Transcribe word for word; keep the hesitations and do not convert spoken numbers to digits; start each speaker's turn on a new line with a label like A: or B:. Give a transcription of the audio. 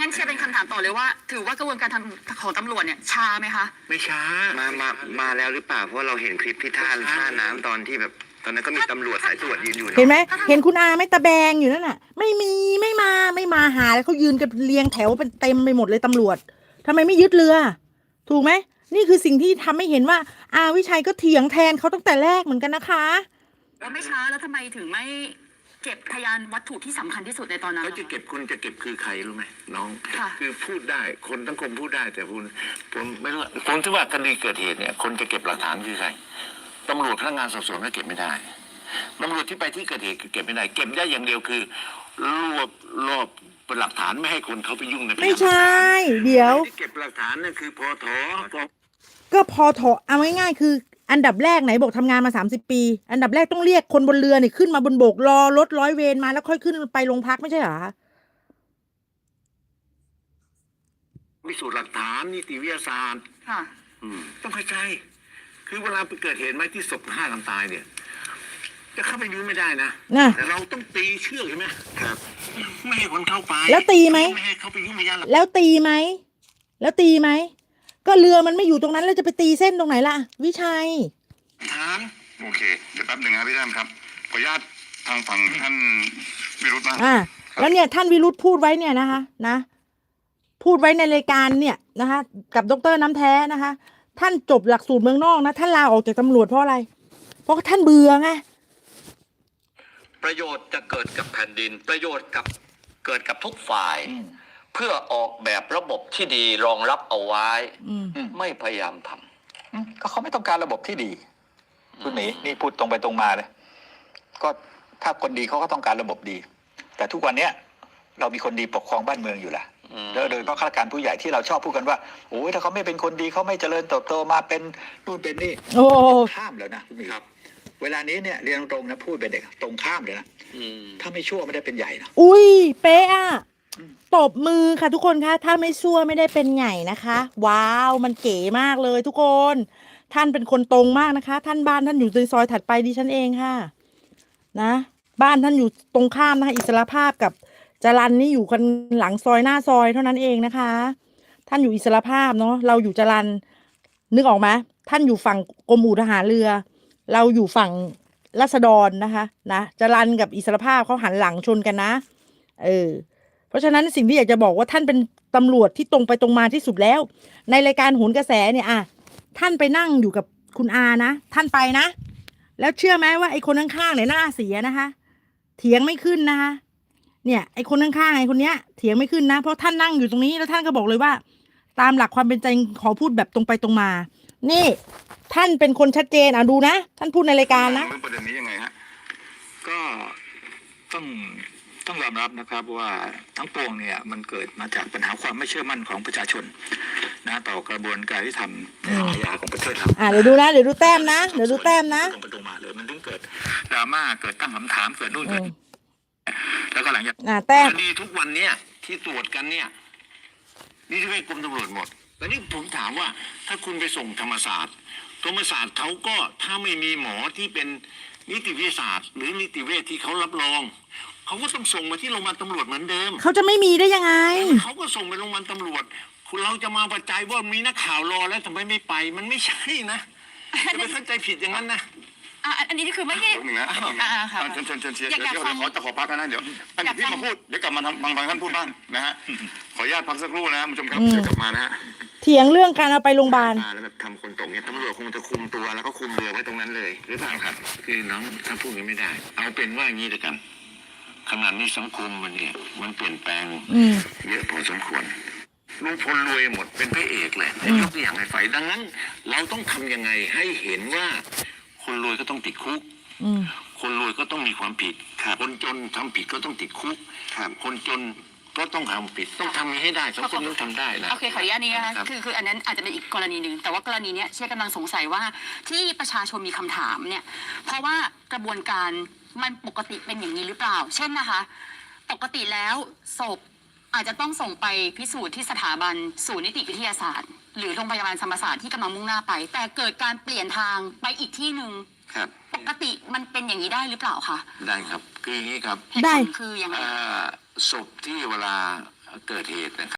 A: งั้นเชียร์เป็นคำถามต่อเลยว่าถือว่ากระบวนการทำของตำรวจเนี่ยช้าไหมคะ
B: ไม่ช้า
C: มามามาแล้วหรือเปล่าเพราะเราเห็นคลิปที่ท่าท่าน้ำตอนที่แบบตอนนั้นก็มีตำรวจสายตรวจยืนอยู่
D: เห็นไหมเห็นคุณอาไม่ตะแบงอยู่นั่นน่ะไม่มีไม่มาไม่มาหาแล้วเขายืนกันเรียงแถวเป็นเต็มไปหมดเลยตำรวจทำไมไม่ยึดเรือถูกไหมนี่คือสิ่งที่ทำให้เห็นว่าอาวิชัยก็เถียงแทนเขาตั้งแต่แรกเหมือนกันนะคะ
A: แล้วไม่ช้าแล้วทำไมถึงไม่เก็บพยานวัตถุที่สำคัญที่สุดในตอนนั้น
B: เขาจะเก็บคนจะเก็บคือใครรู้ไหมน้องคือพูดได้คนทั้งคนพูดได้แต่คุณผมไม่รู้ผมคิดว่าคดีเกิดเหตุเนี่ยคนจะเก็บหลักฐานคือใครตำรวจพนักงานสอบสวนก็เก็บไม่ได้ตำรวจที่ไปที่เกิดเหตุเก็บไม่ได้เก็บได้อย่างเดียวคือรวบรวบเป็นหลักฐานไม่ให้คนเขาไปยุ่งใน
D: ไม่ใช่เดี๋ยว
B: ที่เก็บหลักฐานนั่นคือพอถอ
D: ก็พอถอเอาง่ายๆคืออันดับแรกไหนบอกทำงานมาสามสิบปีอันดับแรกต้องเรียกคนบนเรือเนี่ยขึ้นมาบนบกรอรถร้อยเวรมาแล้วค่อยขึ้นไปโรงพักไม่ใช่เหรอ
B: พิสูจน์หลักฐานนิติวิทยาศาสตร์ค่ะต้องเข้าใจคือเวลาไปเกิดเหตุไหมที่ศพฆ่ากันตายเนี่ยจะเข้าไปดูไม่ได้นะแต่เราต้องตีเชือกใช่ไหมครับไม่ให้คนเข้าไป
D: แล้วตีไหม
B: ไม่ให้เขาไปยุ่งพยาน
D: แล้วตีไหมแล้วตีไหมก็เรือมันไม่อยู่ตรงนั้นแล้วจะไปตีเส้นตรงไหนล่ะวิชัย
B: ถามโอเคเดี๋ยวแป๊บหนึ่งครับพี่ตั้มครับขออนุญาตทางฝั่งท่านวิรุธนะ
D: อ่าแล้วเนี่ยท่านวิรุธพูดไว้เนี่ยนะคะนะพูดไว้ในรายการเนี่ยนะคะกับดร.น้ำแท้นะคะท่านจบหลักสูตรเมืองนอกนะท่านลาออกจากตำรวจเพราะอะไรเพราะท่านเบื่อไง
E: ประโยชน์จะเกิดกับแผ่นดินประโยชน์กับเกิดกับทุกฝ่ายเพื่อออกแบบระบบที่ดีรองรับเอาไว้ไม่พยายามทำ
F: ก็เขาไม่ต้องการระบบที่ดีคุณหมีนี่พูดตรงไปตรงมาเลยก็ถ้าคนดีเขาก็ต้องการระบบดี แต่ทุกวันนี้เรามีคนดีปกครองบ้านเมืองอยู่ละโดยเฉพาะข้าราชการผู้ใหญ่ที่เราชอบพูดกันว่าโอ้ยถ้าเขาไม่เป็นคนดีเขาไม่เจริญเติบโตมาเป็นนู่นเป็นนี่ข้ามแล้วนะคุณหมีเวลานี้เนี่ยเรียนตรงนะพูดเป็นเด็กตรงข้ามเลยนะถ้าไม่ชั่วไม่ได้เป็นใหญ่นะ
D: อุ้ยเป๊ะอะตบมือค่ะทุกคนคะถ้าไม่ชั่วไม่ได้เป็นใหญ่นะคะว้าวมันเก๋มากเลยทุกคนท่านเป็นคนตรงมากนะคะท่านบ้านท่านอยู่ในซอยถัดไปดิฉันเองค่ะนะบ้านท่านอยู่ตรงข้ามนะคะอิสรภาพกับจรัญนี่อยู่กันหลังซอยหน้าซอยเท่านั้นเองนะคะท่านอยู่อิสรภาพเนาะเราอยู่จรัญนึกออกไหมท่านอยู่ฝั่งกรมอู่ทหารเรือเราอยู่ฝั่งราษฎรนะคะนะจรัญกับอิสรภาพเขาหันหลังชนกันนะเออเพราะฉะนั้นสิ่งที่อยากจะบอกว่าท่านเป็นตำรวจที่ตรงไปตรงมาที่สุดแล้วในรายการโหนกระแสเนี่ยอ่ะท่านไปนั่งอยู่กับคุณอานะท่านไปนะแล้วเชื่อไหมว่าไอ้คนข้างๆเนี่ยหน้าเสียนะคะเถียงไม่ขึ้นนะคะเนี่ยไอ้คนข้างๆไอ้คนเนี้ยเถียงไม่ขึ้นนะเพราะท่านนั่งอยู่ตรงนี้แล้วท่านก็บอกเลยว่าตามหลักความเป็นจริงขอพูดแบบตรงไปตรงมานี่ท่านเป็นคนชัดเจนอ่ะดูนะท่านพูดในรายการนะ
B: ประเด็นนี้ยังไงฮะ
F: ก็ต้องต้องยอมรับนะครับว่าทั้งปวงเนี่ยมันเกิดมาจากปัญหาความไม่เชื่อมั่นของประชาชนนะต่อกระบวนการที่ทำในอาญาของประเทศเรา
D: อ่าเดี๋ยวดูนะเดี๋ยวดูแต้มนะเดี๋ยวดูแต้มนะ
F: ตรงไปตรงมาเลยมันถึงเกิดดราม่าเกิดตั้งคำถามเกิดนู่นเกิดแล้วก็หลังจาก
D: อ่าแต้ม
B: คดีทุกวันเนี้ยที่ตรวจกันเนี่ยนี่ที่เป็นกรมตำรวจหมดแต่นี่ผมถามว่าถ้าคุณไปส่งธรรมศาสตร์ธรรมศาสตร์เขาก็ถ้าไม่มีหมอที่เป็นนิติวิทยาศาสตร์หรือนิติเวชที่เขารับรองเขาก็ต้องส่งมาที่โรงพยาบาลตำรวจเหมือนเดิม
D: เขาจะไม่มีได้ยังไง
B: เขาก็ส่งไปโรงพยาบาลตำรวจคุณเราจะมาประจายว่ามีนักข่าวรอแล้วทำไมไม่ไปมันไม่ใช่นะจะไปเข้าใจผิดอย่างนั้นนะ
A: อันนี้คือไม่ใช่
B: หนึ่งนะเชิญเชิญเชิญเชียร์เดี๋ยวเดี๋ยวขอจะขอพักนะเดี๋ยวอันนี้พี่มาพูดเดี๋ยวกลับมาทำบางบางท่านพูดบ้างนะฮะขออนุญาตพักสักครู่นะคุณผู้ชมครับเดี๋ยวกลับมานะฮะ
D: เถียงเรื่องการเอาไปโรงพยาบาล
B: แล้วแบบทำคนตกเนี่ยตำรวจคงจะคุมตัวแล้วก็คุมเรือไว้ตรงนั้นเลยหรือเปล่าครับคือน้องถ้าพูดกันไม่ได้เอาเป็นว่าอย่างนี้เลยกันขณะนี้สังคมมันเนี่ยมันเปลี่ยนแปลงเยอะพอสมควรลุงพลรวยหมดเป็นพระเอกเลยยกตัวอย่างให้ไฟดังนั้นเราต้องทำยังไงให้เห็นว่าคนรวยก็ต้องติดคุกคนรวยก็ต้องมีความผิดคนจนทำผิดก็ต้องติดคุกคนจนก็ต้องทำผิดต้องทำให้ได้สังคมต้องทำได้นะ
A: โอเคขออนุญาตนี้นะคะคือคืออันนั้นอาจจะเป็นอีกกรณีหนึ่งแต่ว่ากรณีนี้เชื่อกำลังสงสัยว่าที่ประชาชนมีคำถามเนี่ยเพราะว่ากระบวนการมันปกติเป็นอย่างนี้หรือเปล่าเช่นนะคะปกติแล้วศพอาจจะต้องส่งไปพิสูจน์ที่สถาบันศูนย์นิติวิทยาศาสตร์หรือโรงพยาบาลธรรมศาสตร์ที่กำลังมุ่งหน้าไปแต่เกิดการเปลี่ยนทางไปอีกที่หนึ่งปกติมันเป็นอย่างนี้ได้หรือเปล่าคะ
B: ได้ครับคืออย่างนี้ครับ
D: ได้
A: คืออย่างไร
B: ศพที่เวลาเกิดเหตุนะครับ